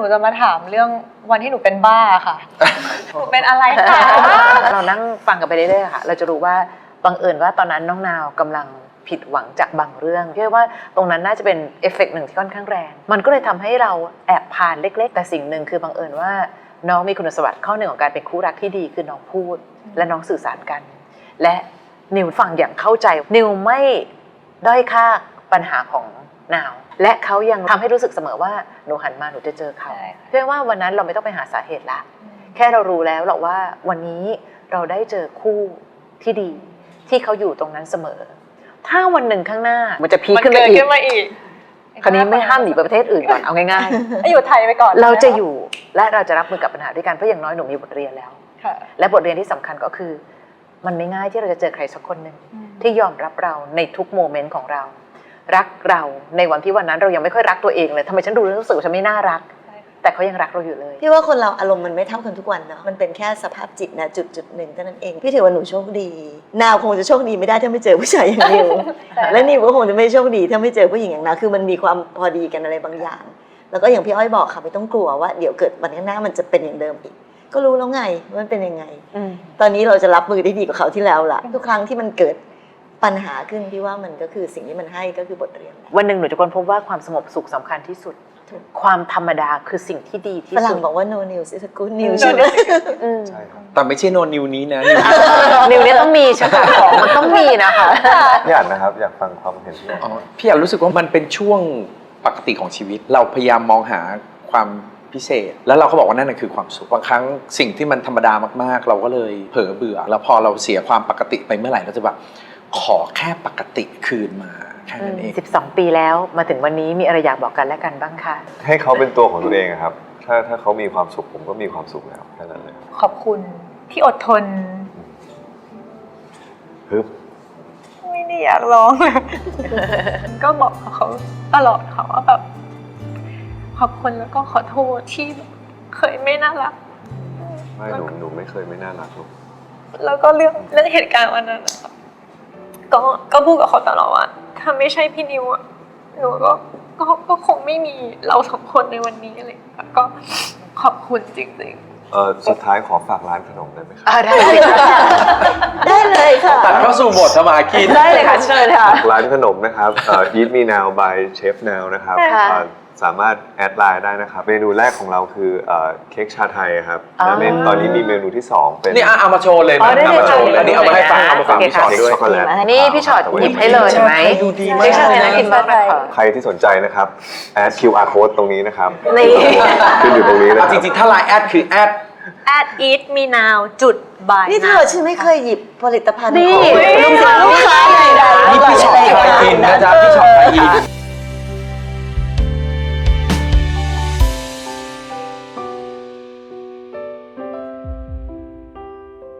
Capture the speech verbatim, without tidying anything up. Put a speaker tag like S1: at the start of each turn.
S1: จะมาถามเรื่องวันที่หนูเป็นบ้าค่ะหนูเป็นอะไรคะ
S2: เรานั่งฟังกันไปเรื่อยๆค่ะเราจะรู้ว่าบังเอิญว่าตอนนั้นน้องนาวกำลังผิดหวังจากบางเรื่องพี่ว่าตรงนั้นน่าจะเป็นเอฟเฟกต์หนึ่งที่ค่อนข้างแรงมันก็เลยทำให้เราแอบผ่านเล็กๆแต่สิ่งหนึ่งคือบังเอิญว่าน้องมีคุณสมบัติข้อหนึ่งของการเป็นคู่รักที่ดีคือน้องพูดและน้องสื่อสารกันและนิวฟังอย่างเข้าใจนิวไม่ด้อยค่าปัญหาของนาวและเขายังทำให้รู้สึกเสมอว่าหนูหันมาหนูจะเจอเขาเพื่อว่าวันนั้นเราไม่ต้องไปหาสาเหตุละแค่เรารู้แล้วหรอกว่าวันนี้เราได้เจอคู่ที่ดีที่เขาอยู่ตรงนั้นเสมอถ้าวันหนึ่งข้างหน้ามันจะพีคขึ้นไปอีกคราวนี้ไม่ห้ามหนีไปประเทศอื่นก่อนเอาง่าย
S1: ๆอยู่ไทยไปก่อน
S2: เราจะอยู่และเราจะรับมือกับปัญหาด้วยกันเพราะอย่างน้อยหนูมีบทเรียนแล้วและบทเรียนที่สำคัญก็คือมันไม่ง่ายที่เราจะเจอใครสักคนหนึ่งที่ยอมรับเราในทุกโมเมนต์ของเรารักเราในวันที่วันนั้นเรายังไม่ค่อยรักตัวเองเลยทำไมฉันดูแล้วรู้สึกว่าฉันไม่น่ารักแต่เขายังรักเราอยู่เลย
S3: พี่ว่าคนเราอารมณ์มันไม่เท่ากันทุกวันเนาะมันเป็นแค่สภาพจิตนะจุดจุดหนึ่งเท่านั้นเองพี่ถือว่าหนูโชคดีนาวคงจะโชคดีไม่ได้ถ้าไม่เจอผู้ชายอย่างนิวและนิวก็คงจะไม่โชคดีถ้าไม่เจอผู้หญิงอย่างนาวคือมันมีความพอดีกันอะไรบางอย่างแล้วก็อย่างพี่อ้อยบอกค่ะไม่ต้องกลัวว่าเดี๋ยวเกิดวันข้างหน้ามันจะเป็นอย่างเดิมอีกก็รู้แล้วไงว่ามันเป็นยังไงตอนนี้เราจะรับมือได้ดีกว่าเขาที่แล้วล่ะทุกครั้งที่มันเกิดปัญหาขึ้นพี่ว่ามันก็คือสิ่งที่มันให้ก็คือบทเรียน
S2: วันหนึ่งหนูจะค้นพบว่าความสงบสุขสำคัญที่สุดความธรรมดาคือสิ่งที่ดีที่สุด
S3: ฝรั่งบอกว่า no news is a good news ใช่ไหม
S4: ใช่ครับแต่ไม่ใช่ no news นี้นะ
S2: นิวนี้ต้องมีใช่ไหมของมันต้องมีนะคะ
S5: พี่อ่านนะครับอยากฟังความเห็นพี่
S4: อ๋อพี่อ่านรู้สึกว่ามันเป็นช่วงปกติของชีวิตเราพยายามมองหาความพิเศษแล้วเราก็บอกว่านั่นคือความสุขบางครั้งสิ่งที่มันธรรมดามากๆเราก็เลยเผลอเบื่อแล้วพอเราเสียความปกติไปเมื่อไหร่เราจะแบบขอแค่ปกติคืนมาแค่นั้นเอง
S2: สิบสองปีแล้วมาถึงวันนี้มีอะไรอยากบอกกันและกันบ้างคะ
S5: ให้เขาเป็นตัวของตัวเองครับถ้าถ้าเขามีความสุขผมก็มีความสุขแล้วแค่นั้นเลย
S1: ขอบคุณที่อดทน
S5: ฮึบ
S1: ไม่ได้อยากร้องเลยก็บอกเขาตลอดค่ะว่าแบบขอบคุณแล้วก็ขอโทษที่เคยไม่น่ารัก
S5: ไม่หนูหนูไม่เคยไม่น่ารักหรอก
S1: แล้วก็เรื่องเรื่องเหตุการณ์วันนั้นนะครับก็ก็พูดกับเขาตลอดว่าถ้าไม่ใช่พี่นิวอ่ะหนูก็ก็ก็คงไม่มีเราสองคนในวันนี้อะไรก็ขอบคุณจริงๆ
S5: เออสุดท้ายขอฝากร้านขนมได้ไหมครับ
S2: ได้
S3: ได้เลยค่ะ
S4: ตัดเข้าสู่บทสมากิน
S2: ได้เลยค่ะเชิญค่ะ
S5: ร้านขนมนะครับเอ่อ Eat Me Now by Chef Now นะครับสามารถแอดไลน์ได้นะครับเมนูแรกของเราคือเค้กชาไทยครับและเมนูตอนนี้มีเมนูที่สองเป็น
S4: นี่เอามาโชว์เลยนะเอามาโชว์เลยนี่เอามาให้ฟังเอามาฟังพี่ชอตด้วย
S5: ช็อกโกแลต
S2: นี่พี่ชอตหยิบให้เลยใช่ไหม
S4: ดูดีมาก
S2: น่ากินมากเลย
S5: ใครที่สนใจนะครับแอด คิว อาร์ code ตรงนี้นะครับขึ้นอยู่ตรงนี้นะ
S4: จริงๆถ้าไลน์แอดคือแอด
S1: แอด eat me now จุด by
S3: นี่เธอฉันไม่เคยหยิบผลิตภัณฑ์
S2: ของ
S3: ลูกค้าใดๆ
S4: นี่พี่ชอตไทยอินนะจ๊ะพี่ชอตไทยอิน